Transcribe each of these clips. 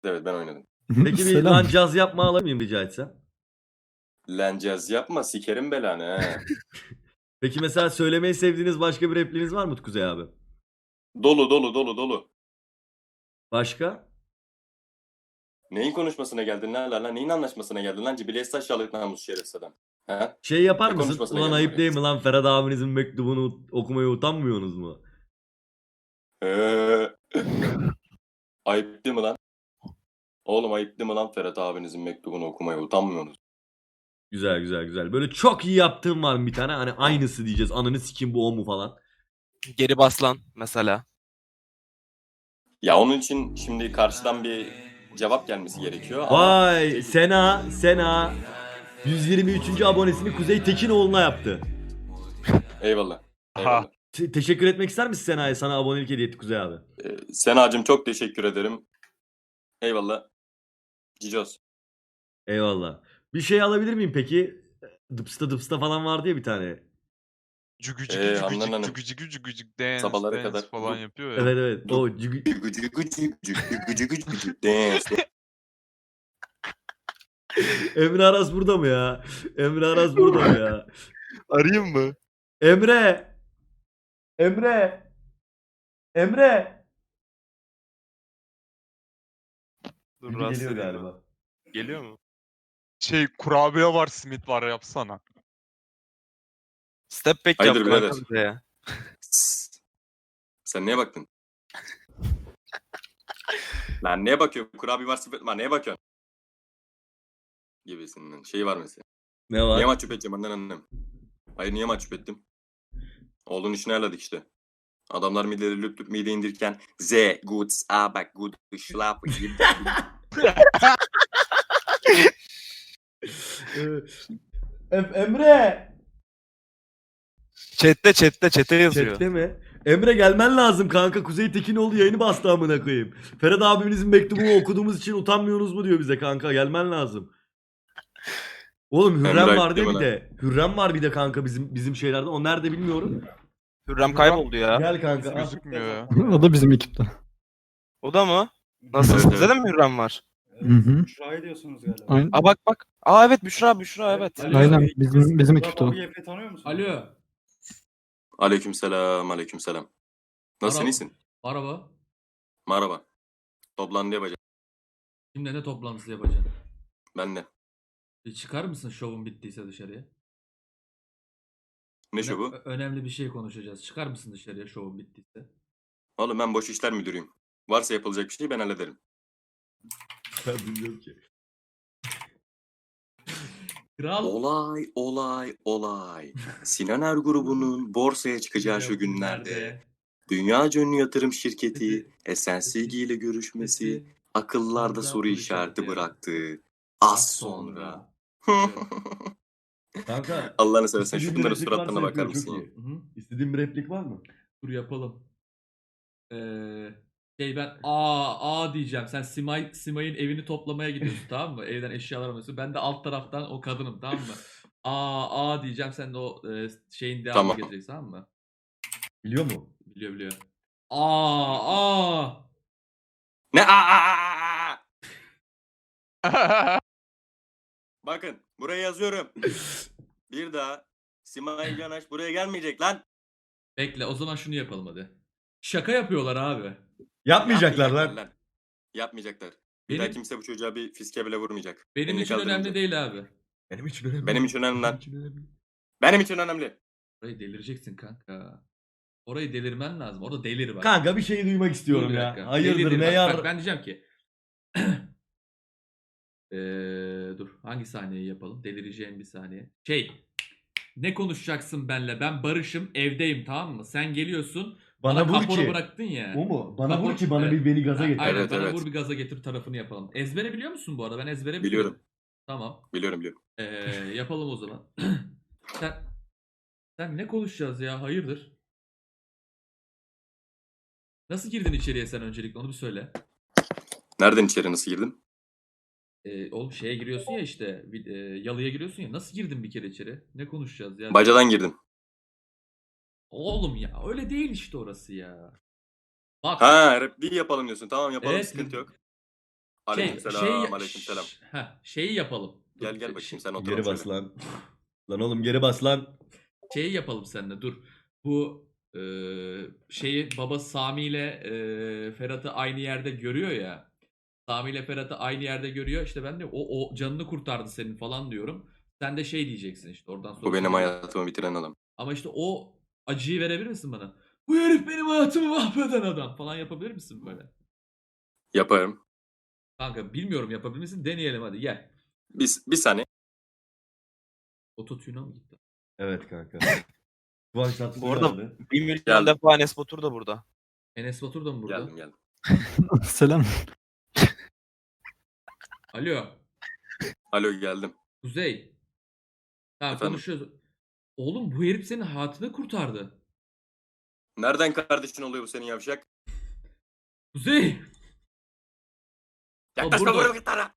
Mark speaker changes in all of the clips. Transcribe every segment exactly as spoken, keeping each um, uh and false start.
Speaker 1: Evet ben oynadım.
Speaker 2: Peki bir
Speaker 3: Selam.
Speaker 2: lan caz yapma alır mıyım rica etsem?
Speaker 1: Lan caz yapma sikerim belanı he.
Speaker 2: Peki mesela söylemeyi sevdiğiniz başka bir repliğiniz var mı Kuzey abi?
Speaker 1: Dolu dolu dolu dolu.
Speaker 2: Başka?
Speaker 1: Neyin konuşmasına geldin lan lan? Neyin anlaşmasına geldin lan? Cibiliyet aşağılık namus şerefsiz adam. He?
Speaker 2: Şey yapar
Speaker 1: Ne
Speaker 2: mısın?
Speaker 1: konuşmasına
Speaker 2: Ulan
Speaker 1: geldin
Speaker 2: ayıp
Speaker 1: oraya?
Speaker 2: değil mi lan Ferhat abinizin mektubunu okumaya utanmıyorsunuz mu?
Speaker 1: Ee, ayıp değil mi lan? Oğlum ayıp değil mi lan Ferhat abinizin mektubunu okumaya utanmıyorsunuz?
Speaker 2: Güzel güzel güzel. Böyle çok iyi yaptığım var mı bir tane? Hani aynısı diyeceğiz. Ananı sikim bu o mu falan.
Speaker 4: Geri baslan mesela.
Speaker 1: Ya onun için şimdi karşıdan bir cevap gelmesi gerekiyor ama
Speaker 2: Vay Sena Sena yüz yirmi üçüncü abonesini Kuzey Tekinoğlu'na yaptı.
Speaker 1: eyvallah. Eyvallah.
Speaker 2: Te- teşekkür etmek ister misin Sena'ya? Sana abonelik hediye etti Kuzey abi.
Speaker 1: Ee, Senacığım çok teşekkür ederim. Eyvallah. Cicos.
Speaker 2: Eyvallah. Bir şey alabilir miyim peki? Dıpsta dıpsta falan vardı ya bir tane.
Speaker 5: Cügücük
Speaker 1: Ee,
Speaker 5: cügücük
Speaker 1: Handan Hanım.
Speaker 5: cügücük cügücük dance
Speaker 1: Sabahlara
Speaker 5: dance
Speaker 1: kadar
Speaker 5: falan
Speaker 1: bu-
Speaker 5: yapıyor ya.
Speaker 2: Evet evet.
Speaker 1: Dur.
Speaker 2: O cügü-
Speaker 1: Gıcı gıcı gıcı gıcı gıcı gıcı dance.
Speaker 2: Emre Aras burada mı ya? Emre Aras burada mı ya?
Speaker 5: Arayayım mı?
Speaker 2: Emre! Emre! Emre!
Speaker 5: Dur
Speaker 2: Gibi
Speaker 5: rahatsız
Speaker 2: geliyor
Speaker 5: edeyim
Speaker 2: galiba.
Speaker 5: ben. Geliyor mu? Şey kurabiye var simit var yapsana.
Speaker 4: Step back
Speaker 1: Hayırdır
Speaker 4: yap
Speaker 1: birader?
Speaker 4: kanka bize ya.
Speaker 1: Sen neye baktın? Lan neye bakıyorsun? Kurabiye var sıfır. Lan neye bakıyorsun? Gibisinden. Şey var mesela.
Speaker 2: Ne var?
Speaker 1: Niye mahcup edeceğim annen annem? Hayır niye mahcup ettim? Oğlun işini ayarladık işte. Adamlar mideleri lüp lüp mide indirken Z, gut, abak, gut, schlaf,
Speaker 2: Ee, Em- Emre!
Speaker 4: Chat'te chat'te chat'e yazıyor.
Speaker 2: Chatte mi? Emre gelmen lazım kanka. Kuzey Tekinoğlu yayını bastı amına koyayım. Ferhat abimizin mektubunu okuduğumuz için utanmıyorsunuz mu diyor bize kanka. Gelmen lazım. Oğlum Hürrem
Speaker 1: Emre
Speaker 2: var diye
Speaker 1: ayıp
Speaker 2: bir
Speaker 1: değil
Speaker 2: de. Hürrem var bir de kanka bizim bizim şeylerde. O nerede bilmiyorum.
Speaker 4: Hürrem kayboldu ya.
Speaker 2: Gel kanka.
Speaker 5: Nasıl
Speaker 2: al.
Speaker 5: gözükmüyor ya?
Speaker 3: O da bizim ekipte.
Speaker 4: O da mı? Nasıl?
Speaker 1: Evet,
Speaker 4: Sizde
Speaker 1: evet.
Speaker 4: de mi Hürrem var?
Speaker 3: Hı hı.
Speaker 6: Büşra'yı diyorsunuz galiba.
Speaker 3: Aynen.
Speaker 4: Aa bak bak. Aa evet Büşra Büşra evet.
Speaker 6: Alo.
Speaker 3: Aynen bizim bizim ekipte o.
Speaker 6: Baba Efe tanıyor musun?
Speaker 7: Alo.
Speaker 1: Aleykümselam, aleykümselam. Nasılsın,
Speaker 7: Merhaba.
Speaker 1: iyisin?
Speaker 7: Merhaba.
Speaker 1: Merhaba. Toplantı yapacağım.
Speaker 7: Kimle ne toplantısı yapacaksın?
Speaker 1: Ben de.
Speaker 7: Bir çıkar mısın şovun bittiyse dışarıya?
Speaker 1: Ne şu bu?
Speaker 7: Ö- önemli bir şey konuşacağız. Çıkar mısın dışarıya şovun bittiyse?
Speaker 1: Oğlum ben boş işler müdürüyüm. Varsa yapılacak bir şey ben hallederim.
Speaker 2: Ben bilmiyorum ki.
Speaker 7: Kral.
Speaker 1: Olay, olay, olay. Sinan Er grubunun borsaya çıkacağı şu günlerde dünyaca ünlü yatırım şirketi Esensilgi ile görüşmesi akıllarda soru işareti bıraktı. Az sonra.
Speaker 2: Kanka.
Speaker 1: Allah'ını seversen
Speaker 2: istediğin
Speaker 1: şu
Speaker 2: bir
Speaker 1: bunların
Speaker 2: replik
Speaker 1: suratlarına
Speaker 2: varsa
Speaker 1: bakar
Speaker 2: yapıyorum,
Speaker 1: mısın
Speaker 2: çok
Speaker 1: ya?
Speaker 2: iyi.
Speaker 7: Hı hı.
Speaker 2: İstediğin bir replik var mı?
Speaker 7: Dur yapalım. Ee, şey ben aa aa diyeceğim. Sen Simay Simay'ın evini toplamaya gidiyorsun tamam mı? Evden eşyalar alıyorsun. Ben de alt taraftan o kadınım tamam mı? Aa aa diyeceğim. Sen de o e, şeyin devamını
Speaker 1: Tamam.
Speaker 7: getireceksin tamam mı?
Speaker 2: Biliyor mu?
Speaker 7: Biliyor biliyor. Aa aa.
Speaker 1: Ne? Aa, aa, aa, aa! Bakın buraya yazıyorum. Bir daha Simay Canaş buraya gelmeyecek lan.
Speaker 7: Bekle o zaman şunu yapalım hadi. Şaka yapıyorlar abi.
Speaker 2: Yapmayacaklar lan.
Speaker 1: Yapmayacaklar. Bir
Speaker 7: Benim-
Speaker 1: daha kimse bu çocuğa bir fiske bile vurmayacak.
Speaker 7: Benim
Speaker 1: Elini
Speaker 7: için önemli
Speaker 1: kaldırmayacak.
Speaker 7: değil abi.
Speaker 2: Benim için önemli.
Speaker 1: Benim için önemli lan.
Speaker 2: için önemli.
Speaker 1: Benim için önemli.
Speaker 7: Orayı delireceksin kanka. Orayı delirmen lazım. Orada delir bak.
Speaker 2: Kanka bir şey duymak
Speaker 7: Dur
Speaker 2: istiyorum
Speaker 7: bir
Speaker 2: ya.
Speaker 7: dakika.
Speaker 2: Hayırdır
Speaker 7: Delir
Speaker 2: ne
Speaker 7: bak.
Speaker 2: yar?
Speaker 7: Bak ben diyeceğim ki. Eee dur hangi sahneyi yapalım? Delireceğim bir saniye. Şey. Ne konuşacaksın benle? Ben barışım, evdeyim tamam mı? Sen geliyorsun.
Speaker 2: Bana vur
Speaker 7: kapora
Speaker 2: ki.
Speaker 7: bıraktın ya.
Speaker 2: O mu? Bana
Speaker 7: Kapora-
Speaker 2: vur ki bana
Speaker 7: Evet.
Speaker 2: bir beni gaza
Speaker 7: Ha,
Speaker 2: getir.
Speaker 7: Aynen
Speaker 1: Evet,
Speaker 7: bana
Speaker 1: evet.
Speaker 7: vur bir gaza getir tarafını yapalım. Ezbere biliyor musun bu arada? Ben ezbere
Speaker 1: Biliyorum.
Speaker 7: Tamam.
Speaker 1: Biliyorum biliyorum.
Speaker 7: Ee, yapalım o zaman. sen, sen ne konuşacağız ya? Hayırdır? Nasıl girdin içeriye sen öncelikle onu bir söyle.
Speaker 1: Nereden içeri nasıl girdim?
Speaker 7: Ee, oğlum şeye giriyorsun ya işte bir- e, yalıya giriyorsun ya. Nasıl girdin bir kere içeri? Ne konuşacağız ya?
Speaker 1: Bacadan girdim.
Speaker 7: Oğlum ya öyle değil işte orası ya. Bak.
Speaker 1: Ha repliği yapalım diyorsun. Tamam yapalım
Speaker 7: Evet,
Speaker 1: sıkıntı yok.
Speaker 7: Şey,
Speaker 1: Aleykümselam,
Speaker 7: şey,
Speaker 1: aleykümselam.
Speaker 7: Ş- heh, şeyi yapalım.
Speaker 1: Gel
Speaker 7: Dur,
Speaker 1: gel
Speaker 7: şey-
Speaker 1: bakayım sen otur.
Speaker 2: Geri bas lan. Lan oğlum geri bas lan.
Speaker 7: Şeyi yapalım seninle dur. Bu e, şeyi baba Sami ile e, Ferhat'ı aynı yerde görüyor ya. Sami ile Ferhat'ı aynı yerde görüyor. İşte ben de o, o canını kurtardı senin falan diyorum. Sen de şey diyeceksin işte oradan sonra.
Speaker 1: Bu benim hayatımı bitiren adam.
Speaker 7: Ama işte o acıyı verebilir misin bana? Bu herif benim hayatımı mahveden adam falan yapabilir misin böyle?
Speaker 1: Yaparım.
Speaker 7: Kanka bilmiyorum yapabilir misin? Deneyelim hadi gel.
Speaker 1: Bir, bir saniye.
Speaker 7: Ototune'a mı gitti?
Speaker 2: Evet kanka. Kıvanç Tatlıtuğ
Speaker 4: Bu arada-
Speaker 2: geldi.
Speaker 4: Bir milyon
Speaker 1: Geldim.
Speaker 4: defa Enes Batur da burada.
Speaker 7: Enes Batur da mı burada?
Speaker 1: Geldim geldim.
Speaker 3: Selam.
Speaker 7: Alo.
Speaker 1: Alo geldim.
Speaker 7: Kuzey. Tamam
Speaker 1: Efendim?
Speaker 7: konuşuyoruz. Oğlum bu herif senin hayatını kurtardı.
Speaker 1: Nereden kardeşin oluyor bu senin yavşak?
Speaker 7: Kuzey.
Speaker 1: Yaklaşma
Speaker 7: burada.
Speaker 1: böyle gitara.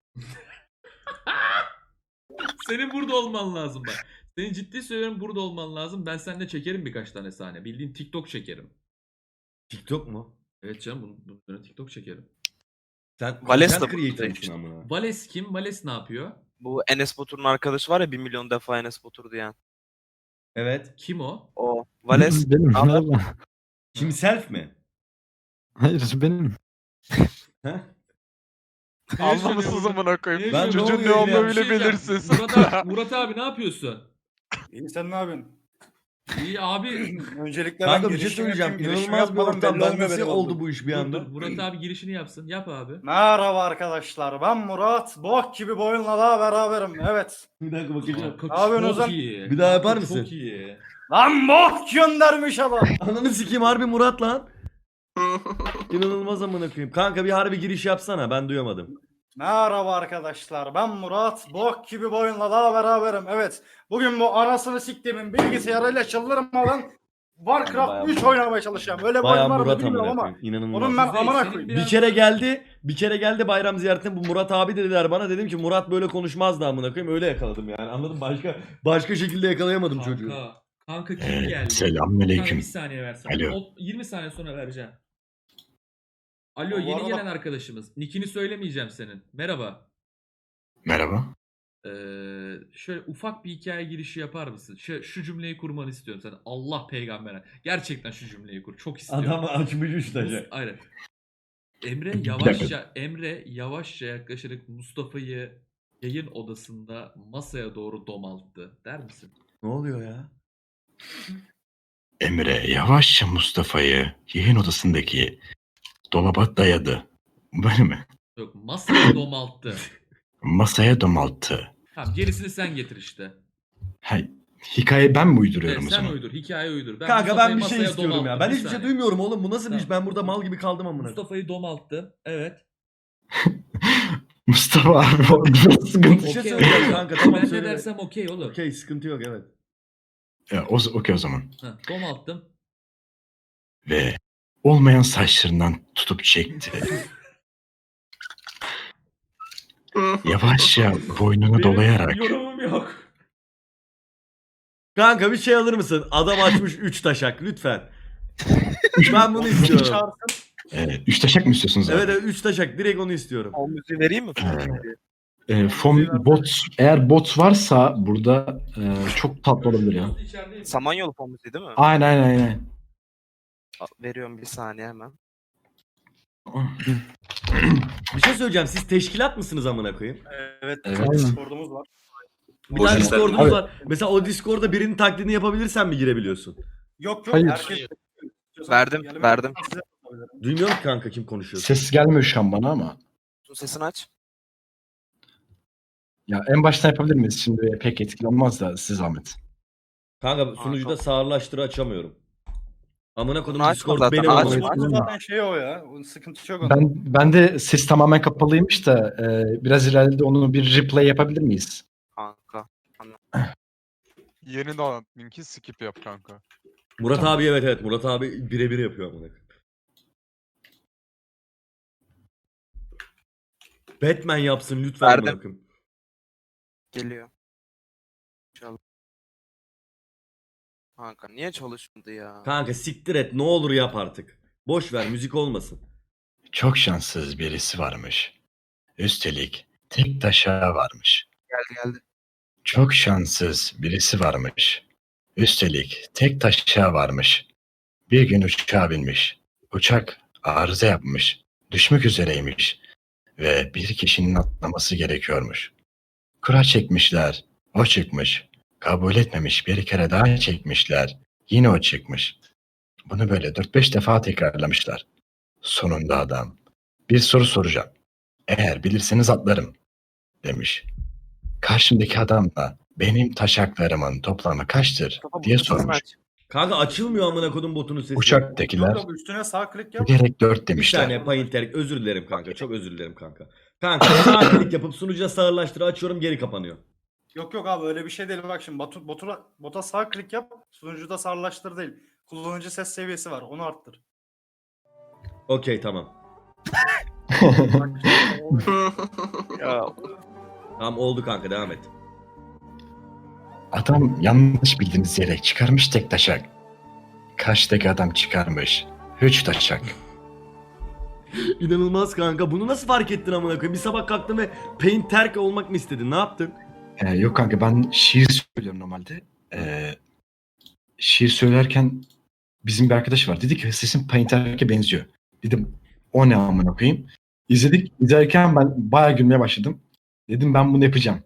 Speaker 7: Senin burada olman lazım bak. Senin ciddi söylüyorum burada olman lazım. Ben seninle çekerim birkaç tane sahne. Bildiğin TikTok çekerim.
Speaker 2: TikTok mu?
Speaker 7: Evet canım bunun, bunun üzerine TikTok çekerim.
Speaker 2: Sen
Speaker 4: Vales
Speaker 2: content
Speaker 4: de
Speaker 2: creator
Speaker 4: burada
Speaker 2: mısın
Speaker 4: işte.
Speaker 2: amına?
Speaker 7: Vales kim? Vales ne yapıyor?
Speaker 4: Bu Enes Batur'un arkadaşı var ya bir milyon defa Enes Batur diyen.
Speaker 2: Evet.
Speaker 7: Kim o?
Speaker 4: O. Vales.
Speaker 3: Benim.
Speaker 4: Ama-
Speaker 3: Merhaba.
Speaker 2: Himself mi?
Speaker 3: Hayır benim.
Speaker 2: Heh?
Speaker 5: Anlamışsınız amına koyayım.
Speaker 7: Ben-
Speaker 5: Çocuğun
Speaker 2: ne
Speaker 5: ne
Speaker 2: oluyor ya?
Speaker 5: olduğunu
Speaker 7: Bir şey
Speaker 5: bile
Speaker 7: diyeceğim.
Speaker 5: belirsiz.
Speaker 7: Murat abi, Murat abi ne yapıyorsun?
Speaker 6: İyi sen ne yapıyorsun?
Speaker 7: İyi abi.
Speaker 6: Öncelikle
Speaker 2: Kanka
Speaker 6: ben
Speaker 2: bir şey
Speaker 6: girişimi
Speaker 2: söyleyeceğim.
Speaker 6: yapayım. Girişimi
Speaker 2: İnanılmaz bir
Speaker 6: yapmadan
Speaker 2: ortam.
Speaker 6: belli
Speaker 2: Ben
Speaker 6: olmuyor
Speaker 2: nasıl
Speaker 6: benim
Speaker 2: oldu
Speaker 6: olduğum.
Speaker 2: bu iş bir
Speaker 7: Dur,
Speaker 2: anda?
Speaker 7: dur, Murat abi girişini yapsın. Yap abi.
Speaker 6: Merhaba arkadaşlar. Ben Murat. Bok gibi boyunla daha beraberim. Evet.
Speaker 2: Bir dakika bakacağım.
Speaker 7: Kanka
Speaker 6: Ne yapıyorsun
Speaker 7: çok
Speaker 6: Ozan?
Speaker 7: iyi.
Speaker 2: Bir daha yapar
Speaker 7: Kanka
Speaker 2: mısın?
Speaker 7: Çok iyi.
Speaker 6: Lan bok göndermiş adam.
Speaker 2: Ananı sikeyim harbi Murat lan. İnanılmaz amına koyayım. Kanka bir harbi giriş yapsana ben duyamadım.
Speaker 6: Merhaba arkadaşlar. Ben Murat. Bok gibi boyunla daha beraberim. Evet. Bugün bu anasını siktiğimin bilgisayarıyla çıldırmadan
Speaker 2: Bayağı
Speaker 6: Warcraft üç
Speaker 2: Murat.
Speaker 6: oynamaya çalışacağım. Öyle bir
Speaker 2: Bayağı
Speaker 6: oyun var mı
Speaker 2: Murat
Speaker 6: bilmiyorum
Speaker 2: amına
Speaker 6: ama.
Speaker 2: koyayım. İnanılmaz.
Speaker 6: Onun ben
Speaker 7: Kuzey,
Speaker 6: amına
Speaker 7: senin
Speaker 6: koyayım.
Speaker 7: biraz-
Speaker 2: Bir kere geldi, bir kere geldi bayram ziyaretine bu Murat abi dediler bana. Dedim ki Murat böyle konuşmazdı amına koyayım. Öyle yakaladım yani. Anladın mı? Başka başka şekilde yakalayamadım çocuğu.
Speaker 7: Kanka. Kanka kim
Speaker 8: Ee,
Speaker 7: geldi? Kanka
Speaker 8: Selamünaleyküm.
Speaker 7: bir saniye versene.
Speaker 8: Alo.
Speaker 7: O- yirmi saniye sonra vereceğim. Alo
Speaker 6: Bu
Speaker 7: yeni
Speaker 6: arada-
Speaker 7: gelen arkadaşımız. Nickini söylemeyeceğim senin. Merhaba.
Speaker 8: Merhaba.
Speaker 7: Ee, şöyle ufak bir hikaye girişi yapar mısın? Şu, şu cümleyi kurmanı istiyorum sen. Allah peygambere. Gerçekten şu cümleyi kur. Çok istiyorum.
Speaker 2: Adam açmış üç
Speaker 7: Mus-
Speaker 2: taşı.
Speaker 7: Aynen. Emre
Speaker 8: Bir
Speaker 7: yavaşça Emre yavaşça yaklaşarak Mustafa'yı yayın odasında masaya doğru domalttı. Der misin?
Speaker 2: Ne oluyor ya?
Speaker 8: Emre yavaşça Mustafa'yı yayın odasındaki dolaba dayadı. Böyle mi?
Speaker 7: Yok masaya domalttı.
Speaker 8: Masaya domalttı.
Speaker 7: Tamam gerisini sen getir işte.
Speaker 8: Ha, hikaye ben mi
Speaker 7: Evet,
Speaker 8: uyduruyorum o
Speaker 7: sen
Speaker 8: zaman?
Speaker 7: uydur. Hikaye uydur. Ben
Speaker 2: Kanka
Speaker 7: Mustafa'yı
Speaker 2: ben bir şey
Speaker 7: masaya
Speaker 2: istiyorum ya.
Speaker 7: domalttım.
Speaker 2: Ben
Speaker 7: Bir
Speaker 2: hiçbir şey
Speaker 7: saniye.
Speaker 2: duymuyorum oğlum. Bu nasıl bir iş?
Speaker 7: Tamam.
Speaker 2: Ben burada mal gibi kaldım amına.
Speaker 7: Mustafa'yı domalttı. Evet.
Speaker 8: Mustafa abi o biraz sıkıntı.
Speaker 2: Bir şey
Speaker 7: Okey,
Speaker 2: söyleyeceğim
Speaker 7: okey.
Speaker 2: kanka. Tamam
Speaker 7: Ben ne
Speaker 2: söyle.
Speaker 7: dersem okey oğlum.
Speaker 2: Okey sıkıntı yok evet.
Speaker 8: Ya, o, okey o zaman.
Speaker 7: Ha, domalttım.
Speaker 8: Ve olmayan saçlarından tutup çekti. Yavaşça boynunu
Speaker 7: Benim
Speaker 8: dolayarak
Speaker 7: yorumum yok.
Speaker 2: Kanka bir şey alır mısın? Adam açmış üç taşak lütfen. ben bunu istiyorum.
Speaker 6: Çağırsın.
Speaker 8: e, üç taşak mı istiyorsunuz abi?
Speaker 2: Evet evet üç taşak direkt onu istiyorum.
Speaker 4: O müziği vereyim mi?
Speaker 8: E, fon, bot, eğer bot varsa burada e, çok tatlı olabilir ya.
Speaker 7: İçerideyim.
Speaker 4: Samanyolu fon müziği değil mi?
Speaker 8: Aynen aynen aynen.
Speaker 4: A- Veriyorum bir saniye hemen.
Speaker 2: Bir şey söyleyeceğim. Siz teşkilat mısınız amına koyayım?
Speaker 6: Evet.
Speaker 8: Evet.
Speaker 6: Discord'umuz var.
Speaker 2: Bir
Speaker 1: Boş
Speaker 2: tane
Speaker 1: ver.
Speaker 2: Discord'umuz
Speaker 8: Abi-
Speaker 2: var. Mesela o Discord'da birinin taklidini yapabilirsen mi girebiliyorsun?
Speaker 6: Yok yok.
Speaker 3: Hayır.
Speaker 6: Herkes...
Speaker 4: Verdim,
Speaker 6: Gelin-
Speaker 4: verdim.
Speaker 6: Size yapabilirim.
Speaker 2: Duymuyorum ki kanka kim konuşuyor.
Speaker 8: Ses gelmiyor şu an bana ama.
Speaker 4: Sesini aç.
Speaker 8: Ya en baştan yapabilir miyiz? Şimdi pek etkili olmaz da siz zahmet.
Speaker 2: Kanka sunucuda sağırlaştırı açamıyorum. Amına kodum
Speaker 4: Bunu açma
Speaker 2: Discord
Speaker 4: zaten,
Speaker 2: benim
Speaker 4: açma.
Speaker 2: amına.
Speaker 6: Açma zaten şey o ya. Onun sıkıntı yok onda.
Speaker 8: Ben ben de ses tamamen kapalıymış da e, biraz ileride onu bir replay yapabilir miyiz?
Speaker 4: Kanka.
Speaker 5: Yeni dolan linki skip yap kanka.
Speaker 2: Murat
Speaker 8: Tamam.
Speaker 2: abi evet evet Murat abi birebir yapıyor amına. koyayım. Batman yapsın lütfen
Speaker 4: Verdim.
Speaker 2: amına koyayım.
Speaker 4: Geliyor. Çal. Kanka niye çalışmadı ya?
Speaker 2: Kanka siktir et ne olur yap artık. Boş ver müzik olmasın.
Speaker 8: Çok şanssız birisi varmış. Üstelik tek taşa varmış.
Speaker 4: Geldi geldi.
Speaker 8: Çok şanssız birisi varmış. Üstelik tek taşa varmış. Bir gün uçağa binmiş. Uçak arıza yapmış. Düşmek üzereymiş. Ve bir kişinin atlaması gerekiyormuş. Kura çekmişler. O çıkmış. Kabul etmemiş. Bir kere daha çekmişler. Yine o çıkmış. Bunu böyle dört beş defa tekrarlamışlar. Sonunda adam, bir soru soracağım. Eğer bilirseniz atlarım, demiş. Karşımdaki adam da benim taşaklarımın toplamı kaçtır diye sormuş.
Speaker 2: Kanka açılmıyor amına kodum botunun sesi.
Speaker 8: Uçaktakiler
Speaker 6: Yok, üstüne sağ klik yap.
Speaker 8: bilerek dört
Speaker 2: Bir
Speaker 8: demişler.
Speaker 2: saniye Painter, özür dilerim kanka. Çok özür dilerim kanka. Kanka sağ klik yapıp sunucuya sağırlaştırı açıyorum, geri kapanıyor.
Speaker 6: Yok yok abi öyle bir şey değil. Bak şimdi botu, botura, bota sağ klik yap. Sunucuda sarılaştır değil. Kullanıcı ses seviyesi var. Onu arttır.
Speaker 2: Okey tamam.
Speaker 4: Ya
Speaker 2: Tamam oldu kanka, devam et.
Speaker 8: Adam yanlış bildiğiniz yere çıkarmış tek taşak. Karşıdaki adam çıkarmış üç taşak.
Speaker 2: İnanılmaz kanka. Bunu nasıl fark ettin amına koyayım? Bir sabah kalktın ve Painter olmak mı istedin? Ne yaptın?
Speaker 8: Ee, yok kanka ben şiir söylüyorum normalde. Ee, şiir söylerken bizim bir arkadaş var. Dedi ki sesin Painter'e benziyor. Dedim o ne amına koyayım. İzledik. İzlerken ben bayağı gülmeye başladım. Dedim ben bunu yapacağım.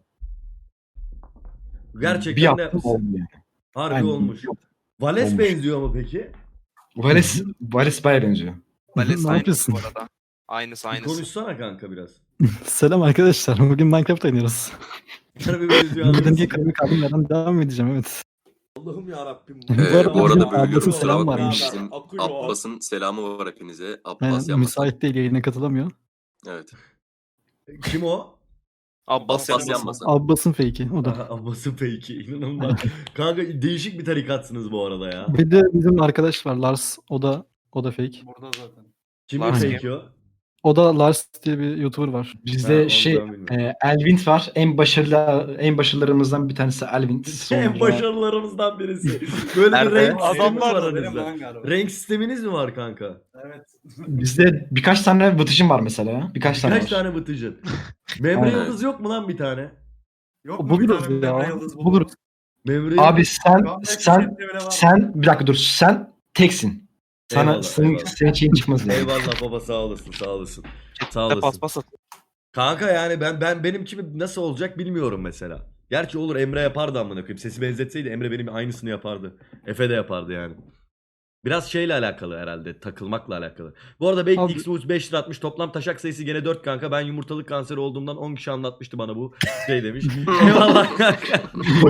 Speaker 8: bir
Speaker 2: Gerçekten de
Speaker 8: yaptım oldu yani.
Speaker 2: harbi
Speaker 8: Aynen.
Speaker 2: olmuş. Vales
Speaker 8: Olmuş.
Speaker 2: benziyor mu peki?
Speaker 8: Vales, Vales bayağı benziyor.
Speaker 4: Vales
Speaker 3: Ne
Speaker 4: aynısı
Speaker 3: yapıyorsun?
Speaker 4: bu arada. Aynısı
Speaker 2: Bir
Speaker 4: aynısı.
Speaker 2: konuşsana kanka biraz.
Speaker 3: Selam arkadaşlar. Bugün Minecraft oynuyoruz.
Speaker 2: Harbi benziyor.
Speaker 3: Bildiğim
Speaker 2: anladın
Speaker 3: gibi
Speaker 2: mı?
Speaker 3: kırmızı kaldım. Yerden devam edeceğim evet.
Speaker 2: Allah'ım yarabbim.
Speaker 8: Ee,
Speaker 1: bu arada
Speaker 3: Abbas'ın
Speaker 1: bölüyorum. Kusura
Speaker 3: selam
Speaker 1: bakmayın.
Speaker 3: varmış.
Speaker 1: Bizim
Speaker 2: Akıyor.
Speaker 1: Abbas'ın selamı var hepinize. Abbas
Speaker 3: Aynen,
Speaker 1: yapmasın.
Speaker 3: müsait değil, yayına katılamıyor.
Speaker 1: Evet.
Speaker 2: Kim o?
Speaker 4: Abbas
Speaker 1: Abbas
Speaker 4: yanmasın.
Speaker 1: yanmasın.
Speaker 3: Abbas'ın fake'i o da.
Speaker 2: Aha, Abbas'ın fake'i. İnanılmaz. Kanka değişik bir tarikatsınız bu arada ya.
Speaker 3: Bir de bizim arkadaş var Lars. O da o da fake.
Speaker 6: Burada zaten.
Speaker 2: Kimin
Speaker 4: Lars
Speaker 2: fake'i o?
Speaker 3: O da Lars diye bir YouTuber var.
Speaker 2: Ha,
Speaker 8: Bizde
Speaker 2: onu
Speaker 8: şey
Speaker 2: ben bilmiyorum.
Speaker 8: e, Elvint var. En başarılı en başarılarımızdan bir tanesi Elvint.
Speaker 2: En
Speaker 8: Sonra-
Speaker 2: başarılarımızdan birisi. Böyle bir
Speaker 4: Nerede?
Speaker 2: renk sisteminiz
Speaker 6: Adamlar
Speaker 2: var
Speaker 6: da benim
Speaker 2: aranızda.
Speaker 6: lan galiba.
Speaker 2: Renk sisteminiz mi var kanka?
Speaker 6: Evet.
Speaker 8: Bizde birkaç tane vıtışım var mesela ya. Birkaç tane
Speaker 2: Kaç
Speaker 8: var.
Speaker 2: tane bıtıcın? Memre
Speaker 8: Aynen.
Speaker 2: Yıldız yok mu lan bir tane?
Speaker 6: Yok mu
Speaker 3: Buluruz
Speaker 6: bir tane
Speaker 3: ya,
Speaker 6: Memre Yıldız
Speaker 3: buluruz.
Speaker 2: Memre
Speaker 8: Abi
Speaker 2: Yıldız-
Speaker 8: sen
Speaker 6: Şu anda
Speaker 8: sen
Speaker 6: hepsi bile var.
Speaker 8: sen bir dakika dur. Sen teksin. Sana
Speaker 2: Eyvallah,
Speaker 8: senin,
Speaker 2: eyvallah.
Speaker 8: senin şeyin çıkmaz yani.
Speaker 2: Eyvallah baba, sağ olasın, sağ olasın. Sağ
Speaker 4: Ne
Speaker 2: olasın.
Speaker 4: paspas at.
Speaker 2: Kanka yani ben ben benim gibi nasıl olacak bilmiyorum mesela. Gerçi olur, Emre yapardı amına koyayım. Sesi benzetseydi Emre benim aynısını yapardı. Efe de yapardı yani. Biraz şeyle alakalı herhalde, takılmakla alakalı. Bu arada Baked
Speaker 3: Abi-
Speaker 2: X Boots beş lira atmış. Toplam taşak sayısı gene dört kanka. Ben yumurtalık kanseri olduğumdan on kişi anlatmıştı bana bu şey demiş. Eyvallah kanka.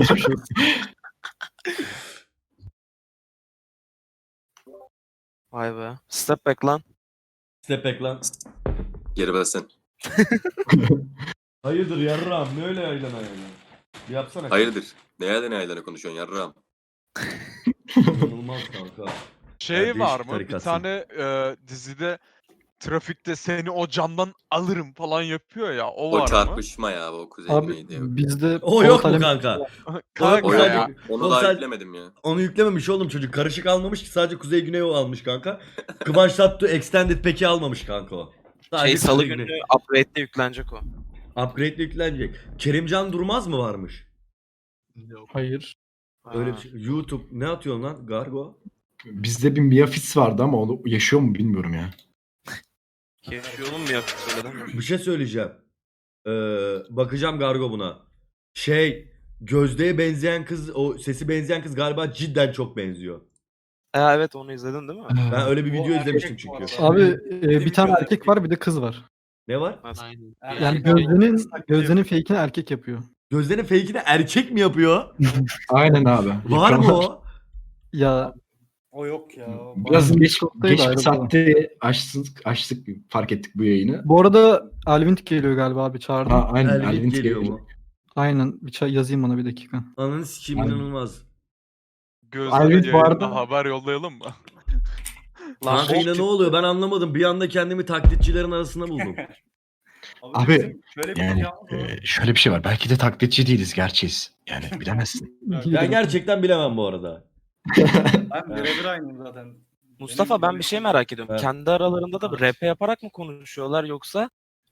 Speaker 4: Vay be. Step back lan.
Speaker 2: Step back lan.
Speaker 1: Geri versin.
Speaker 2: Hayırdır yarram, ne öyle yaylana yani? Bir yapsana.
Speaker 1: Hayırdır? Ne yerden ne yerden konuşuyorsun yarram?
Speaker 2: İnanılmaz kanka.
Speaker 5: Şey
Speaker 2: Ya değişik
Speaker 5: var mı? Bir
Speaker 2: tarikasın.
Speaker 5: tane e, dizide trafikte seni o camdan alırım falan yapıyor ya. O,
Speaker 1: O
Speaker 5: var mı?
Speaker 1: çarpışma ya o kuzey
Speaker 3: Abi
Speaker 1: güneydi. Yok.
Speaker 3: bizde
Speaker 2: O yok mu
Speaker 3: Polat
Speaker 2: kanka?
Speaker 5: Kanka
Speaker 2: Sadece-
Speaker 5: ya.
Speaker 1: Onu
Speaker 2: Oğlum
Speaker 1: daha
Speaker 2: sen-
Speaker 1: yüklemedim ya.
Speaker 2: Onu yüklememiş oğlum çocuk. Karışık almamış ki, sadece Kuzey Güney o almış kanka. Kıvanç Tatlı Extended Pack'i almamış kanka o. Sadece
Speaker 4: Şey salı
Speaker 2: Kuzey
Speaker 4: günü
Speaker 2: Güney.
Speaker 4: upgrade'de yüklenecek o.
Speaker 2: Upgrade'le yüklenecek. Kerimcan Durmaz mı varmış?
Speaker 3: hayır.
Speaker 2: Öyle bir
Speaker 4: Ha.
Speaker 2: şey. YouTube ne atıyorsun lan Gargo?
Speaker 8: Bizde bir Miafis vardı ama onu yaşıyor mu bilmiyorum ya.
Speaker 4: Yaşıyor oğlum mu ya? Söyledin mi?
Speaker 2: Bir şey söyleyeceğim. Ee, bakacağım Gargo buna. Şey, Gözde'ye benzeyen kız, o sesi benzeyen kız galiba cidden çok benziyor.
Speaker 4: E, evet onu izledin değil mi?
Speaker 2: Ben öyle bir
Speaker 6: O
Speaker 2: video
Speaker 6: erkek
Speaker 2: izlemiştim
Speaker 6: bu
Speaker 2: çünkü.
Speaker 6: arada.
Speaker 3: Abi e, bir
Speaker 6: bir
Speaker 3: tane
Speaker 6: kadar
Speaker 3: erkek
Speaker 6: erkek.
Speaker 3: var, bir de kız var.
Speaker 2: Ne var?
Speaker 4: Aynen.
Speaker 6: Erkek
Speaker 3: Yani
Speaker 6: abi,
Speaker 3: Gözde'nin
Speaker 6: saklı
Speaker 3: Gözde'nin
Speaker 6: yapıyor.
Speaker 3: fake'ini erkek yapıyor.
Speaker 2: Gözde'nin fake'ini erkek mi yapıyor?
Speaker 8: Aynen abi.
Speaker 2: Var mı o?
Speaker 3: Ya
Speaker 6: O yok ya. o
Speaker 8: Biraz
Speaker 6: bayağı-
Speaker 8: geç,
Speaker 3: Discord'daydı
Speaker 8: geç bir
Speaker 3: ayrı
Speaker 8: saatte açtık, açtık fark ettik bu yayını.
Speaker 3: bu arada Alvin geliyor galiba abi, çağırdım.
Speaker 8: Ha, aynen.
Speaker 2: Elvin
Speaker 8: Elvin
Speaker 2: geliyor
Speaker 8: geliyor.
Speaker 2: mu?
Speaker 3: Aynen, bir çay yazayım ona bir dakika.
Speaker 2: Ananı sikeyim,
Speaker 8: Aynen.
Speaker 2: inanılmaz.
Speaker 5: Gözlere
Speaker 8: Alvin bu
Speaker 5: yayında
Speaker 8: arada-
Speaker 5: haber yollayalım mı?
Speaker 2: Kanka yine ne oluyor ben anlamadım. Bir anda kendimi taklitçilerin arasında buldum.
Speaker 8: Abi,
Speaker 6: bizim şöyle bir
Speaker 8: Yani
Speaker 6: yalnız var.
Speaker 8: e, şöyle bir şey var. Belki de taklitçi değiliz, gerçeğiz. Yani bilemezsin.
Speaker 2: Ben gerçekten bilemem bu arada.
Speaker 6: Ben birebir aynıyım zaten.
Speaker 4: Mustafa
Speaker 6: Benim-
Speaker 4: ben bir şey merak ediyorum.
Speaker 2: Evet.
Speaker 4: Kendi aralarında da R P yaparak mı konuşuyorlar yoksa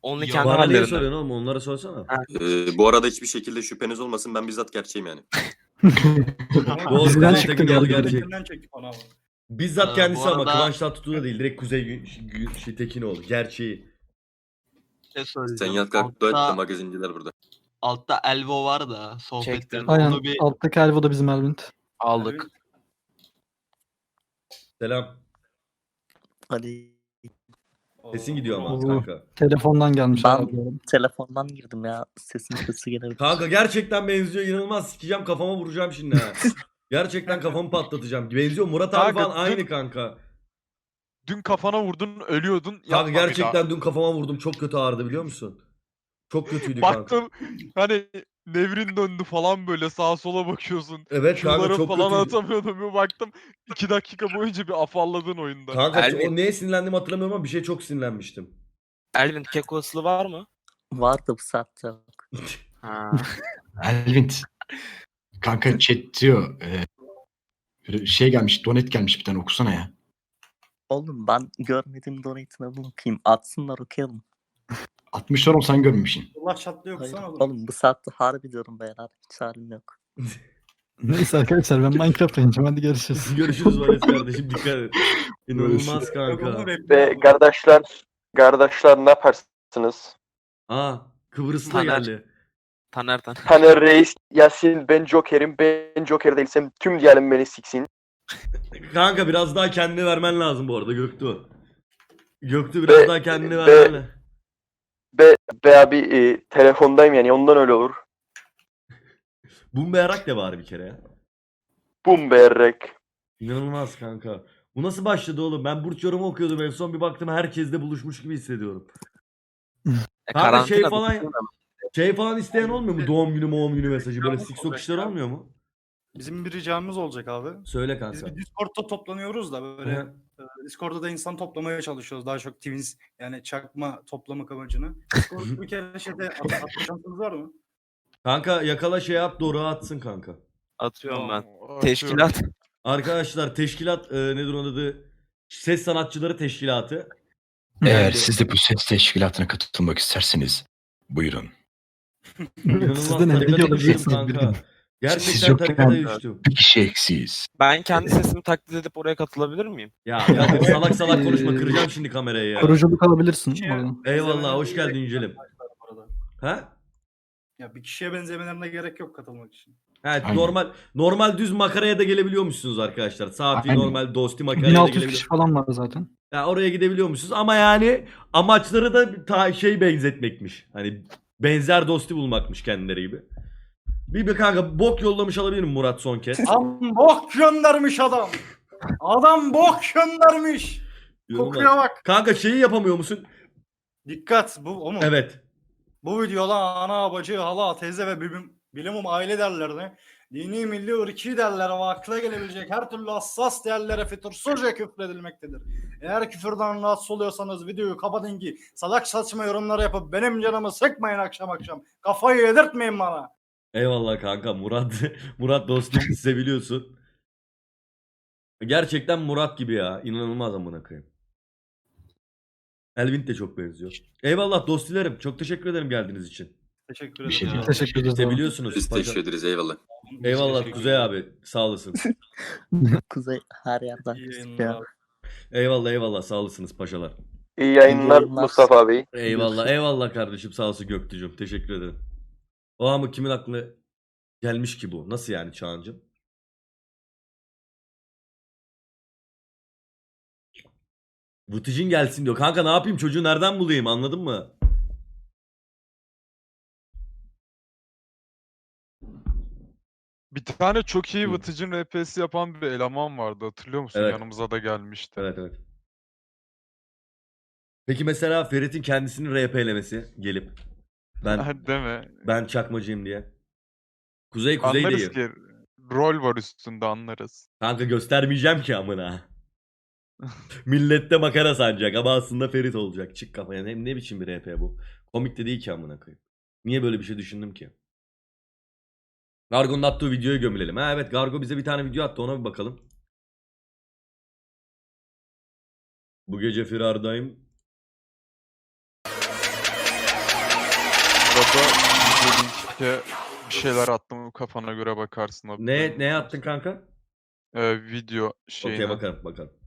Speaker 4: Only
Speaker 7: Ya
Speaker 4: kendi
Speaker 2: Bana niye
Speaker 4: hallerinde.
Speaker 2: soruyorsun oğlum? Onlara sorsana.
Speaker 1: Ee, bu arada hiçbir şekilde şüpheniz olmasın, ben bizzat gerçeğim yani.
Speaker 2: Doğru,
Speaker 3: Bizden
Speaker 2: Kuzey
Speaker 3: çıktı
Speaker 2: Tekin oğlu
Speaker 3: geldi.
Speaker 2: gerçek.
Speaker 6: Tekinden çektik onu abi.
Speaker 2: Bizzat
Speaker 7: Ee,
Speaker 2: kendisi
Speaker 7: bu
Speaker 2: ama
Speaker 7: arada-
Speaker 2: Kıvanç Tatlıtuğ da değil. Direkt Kuzey Gü- Gü- şey, Tekinoğlu. Gerçeği.
Speaker 9: Ne
Speaker 1: Sen
Speaker 9: söyleyeceğim?
Speaker 1: yat kalk dua et de
Speaker 9: Altta,
Speaker 1: magazinciler burada.
Speaker 9: altta Elvo var da sohbetlerinde
Speaker 4: Çektim.
Speaker 3: Aynen.
Speaker 9: onu bir
Speaker 3: Alttaki Elvo da bizim Elvint.
Speaker 4: Aldık.
Speaker 2: Selam.
Speaker 10: Hadi
Speaker 2: Sesin gidiyor ama
Speaker 3: Oo.
Speaker 2: kanka.
Speaker 3: Telefondan gelmiş.
Speaker 10: Ben-
Speaker 3: herhalde.
Speaker 10: telefondan girdim ya. Sesin sesi gelebilir.
Speaker 2: Kanka gerçekten benziyor. İnanılmaz sikeceğim, kafama vuracağım şimdi ha. Gerçekten kafamı patlatacağım. Benziyor. Murat abi
Speaker 5: Kanka,
Speaker 2: falan aynı
Speaker 5: dün-
Speaker 2: kanka.
Speaker 5: Dün kafana vurdun, ölüyordun.
Speaker 2: Kanka
Speaker 5: Yapma bir daha.
Speaker 2: gerçekten dün kafama vurdum. Çok kötü ağrıdı biliyor musun? Çok kötüydü kanka.
Speaker 5: Baktım hani nevrin döndü falan, böyle sağa sola bakıyorsun.
Speaker 2: Evet kanka
Speaker 5: Q'ları
Speaker 2: çok
Speaker 5: falan
Speaker 2: kötüydü.
Speaker 5: atamıyordum. Bir baktım iki dakika boyunca bir afalladın oyunda.
Speaker 2: Kanka
Speaker 4: Elvin.
Speaker 2: o neye sinirlendiğimi hatırlamıyorum ama bir şey çok sinirlenmiştim.
Speaker 4: Elvin keko ıslığı var mı?
Speaker 10: Vardı bu saatte.
Speaker 4: Ha.
Speaker 8: Elvin. Kanka chat diyor. E, şey gelmiş, donet gelmiş bir tane, okusana ya.
Speaker 10: Oğlum ben görmedim donate'ine bakayım. Atsınlar okuyalım.
Speaker 8: altmışlar oğlum, sen görmemişsin.
Speaker 6: Allah çatlıyor
Speaker 10: Hayır,
Speaker 6: kusana oğlum.
Speaker 10: oğlum bu saatte harbi diyorum beyler. Hiç halim yok.
Speaker 3: Neyse arkadaşlar ben Minecraft oynayacağım. Hadi görüşürüz.
Speaker 2: Görüşürüz Vares kardeşim, dikkat et. İnanılmaz kanka.
Speaker 6: Ve
Speaker 11: kardeşler, kardeşler ne yaparsınız?
Speaker 2: Aa, Kıbrıs'ta
Speaker 4: Taner.
Speaker 2: geldi.
Speaker 4: Taner Taner.
Speaker 11: Taner Reis, Yasin, ben Joker'im. Ben Joker değilsem tüm diyelim beni siksin.
Speaker 2: Kanka biraz daha kendini vermen lazım bu arada Göktuğ. Göktuğ biraz
Speaker 11: Be-
Speaker 2: daha kendini
Speaker 11: be-
Speaker 2: vermen lazım.
Speaker 11: Be, be abi e, telefondayım yani ondan öyle olur.
Speaker 2: Bumberak de var bir kere ya.
Speaker 11: Bum berrek.
Speaker 2: İnanılmaz kanka. Bu nasıl başladı oğlum? Ben burç yorumu okuyordum en son, bir baktım herkesle buluşmuş gibi hissediyorum.
Speaker 4: E,
Speaker 2: Kanka şey
Speaker 4: karantina
Speaker 2: falan
Speaker 4: bitti mi?
Speaker 2: şey falan isteyen olmuyor mu? Doğum günü doğum günü mesajı böyle siksok işler olmuyor mu?
Speaker 6: bizim bir ricamız olacak abi.
Speaker 2: Söyle
Speaker 6: Biz
Speaker 2: kanka.
Speaker 6: bir Discord'da toplanıyoruz da böyle
Speaker 2: Hı.
Speaker 6: e, Discord'da da insan toplamaya çalışıyoruz. Daha çok Twins yani çakma toplamak amacını. Discord'da bir kere şeyde at- atma şansınız var mı?
Speaker 2: Kanka yakala şey yap, doğru atsın kanka.
Speaker 4: Atıyorum ben.
Speaker 5: Atıyorum.
Speaker 4: Teşkilat.
Speaker 2: Arkadaşlar teşkilat e, nedir onun adı? Ses Sanatçıları Teşkilatı.
Speaker 8: Eğer
Speaker 2: Yani-
Speaker 8: siz de bu ses teşkilatına katılmak isterseniz buyurun.
Speaker 2: İnanılmaz
Speaker 3: Siz de ne
Speaker 2: tarikata
Speaker 3: biliyor
Speaker 2: düştüm
Speaker 3: olabilirsiniz bir
Speaker 2: kanka.
Speaker 3: gün.
Speaker 8: Siz
Speaker 2: Gerçekten
Speaker 8: yokken-
Speaker 2: tarikata düştüm.
Speaker 8: Bir kişi eksiyiz.
Speaker 4: Ben kendi sesimi taklit edip oraya katılabilir miyim?
Speaker 2: Ya, ya salak salak konuşma, kıracağım şimdi kamerayı ya.
Speaker 3: Kuruculuk alabilirsin.
Speaker 6: Şey-
Speaker 3: oradan.
Speaker 2: Eyvallah, hoş
Speaker 6: benzemelerine
Speaker 2: geldin
Speaker 6: gerek
Speaker 2: Yücelim.
Speaker 6: yok bu arada.
Speaker 2: Ha?
Speaker 6: Ya bir kişiye benzemelerine gerek yok katılmak için.
Speaker 2: Evet,
Speaker 8: Aynen.
Speaker 2: normal normal düz makaraya da gelebiliyormuşsunuz arkadaşlar. Safi
Speaker 8: Aynen.
Speaker 2: normal dosti makaraya da
Speaker 3: bin altı yüz
Speaker 2: gelebiliyor.
Speaker 3: kişi falan var zaten.
Speaker 2: Ya oraya gidebiliyormuşsunuz ama yani amaçları da ta şey benzetmekmiş. Hani benzer dosti bulmakmış kendileri gibi. Bir bir kanka bok yollamış olabilir mi Murat son kez?
Speaker 6: Adam bok göndermiş adam. Adam bok göndermiş.
Speaker 2: Yorumlar.
Speaker 6: Kokuya bak.
Speaker 2: Kanka şeyi yapamıyor musun?
Speaker 6: Dikkat bu o mu?
Speaker 2: Evet.
Speaker 6: Bu videoda ana, bacı, hala, teyze ve bilim, bilimum aile değerlerine, dini, milli, ırki değerlere ve akla gelebilecek her türlü hassas değerlere fütursuzca küfredilmektedir. Eğer küfürden rahatsız oluyorsanız videoyu kapatın ki salak saçma yorumlar yapıp benim canımı sıkmayın akşam akşam. Kafayı yedirtmeyin bana.
Speaker 2: Eyvallah kanka Murat. Murat dostum seviliyorsun. Gerçekten Murat gibi ya. İnanılmaz amına koyayım. Elvin de çok benziyor. Eyvallah dostilerim. Çok teşekkür ederim geldiğiniz için.
Speaker 6: Teşekkür
Speaker 8: Bir
Speaker 6: ederim.
Speaker 8: şey değil.
Speaker 3: Teşekkür ederiz. abi.
Speaker 2: Seviyorsunuz.
Speaker 1: Biz teşekkür ederiz, eyvallah.
Speaker 2: Eyvallah Kuzey abi. Sağ olasın.
Speaker 10: Kuzey her yerden.
Speaker 6: İyi
Speaker 10: gözüküyor.
Speaker 6: yayınlar abi.
Speaker 2: Eyvallah eyvallah. Sağ olasınız paşalar.
Speaker 11: İyi yayınlar
Speaker 10: yayınlar.
Speaker 11: Mustafa abi.
Speaker 2: Eyvallah eyvallah kardeşim. Sağ olsun Göktücüm. Teşekkür ederim. O ama kimin aklına gelmiş ki bu? Nasıl yani Çağancım? Vıtıcın gelsin diyor. Kanka ne yapayım, çocuğu nereden bulayım, anladın mı?
Speaker 5: Bir tane çok iyi
Speaker 2: Hı.
Speaker 5: Vıtıcın R P'si yapan bir eleman vardı, hatırlıyor musun?
Speaker 2: Evet.
Speaker 5: Yanımıza da gelmişti.
Speaker 2: Evet evet. Peki mesela Ferit'in kendisini R P'lemesi gelip ben
Speaker 5: Değil mi?
Speaker 2: ben çakmacıyım diye. Kuzey Kuzey
Speaker 5: Anlarız
Speaker 2: değil.
Speaker 5: ki rol var üstünde, anlarız.
Speaker 2: Kanka göstermeyeceğim ki amına. Millette makara sanacak ama aslında Ferit olacak. Çık kafaya. Ne, ne biçim bir R P bu? Komik de değil ki amına koyayım. Niye böyle bir şey düşündüm ki? Gargo'nun attığı videoyu gömülelim. Ha evet, Gargo bize bir tane video attı, ona bir bakalım. Bu gece firardayım.
Speaker 5: arada video linkte bir şeyler attım, kafana göre bakarsın abi.
Speaker 2: Ne, neye attın kanka?
Speaker 5: Ee, video
Speaker 2: Okey
Speaker 5: şeyine.
Speaker 2: bakarım bakarım.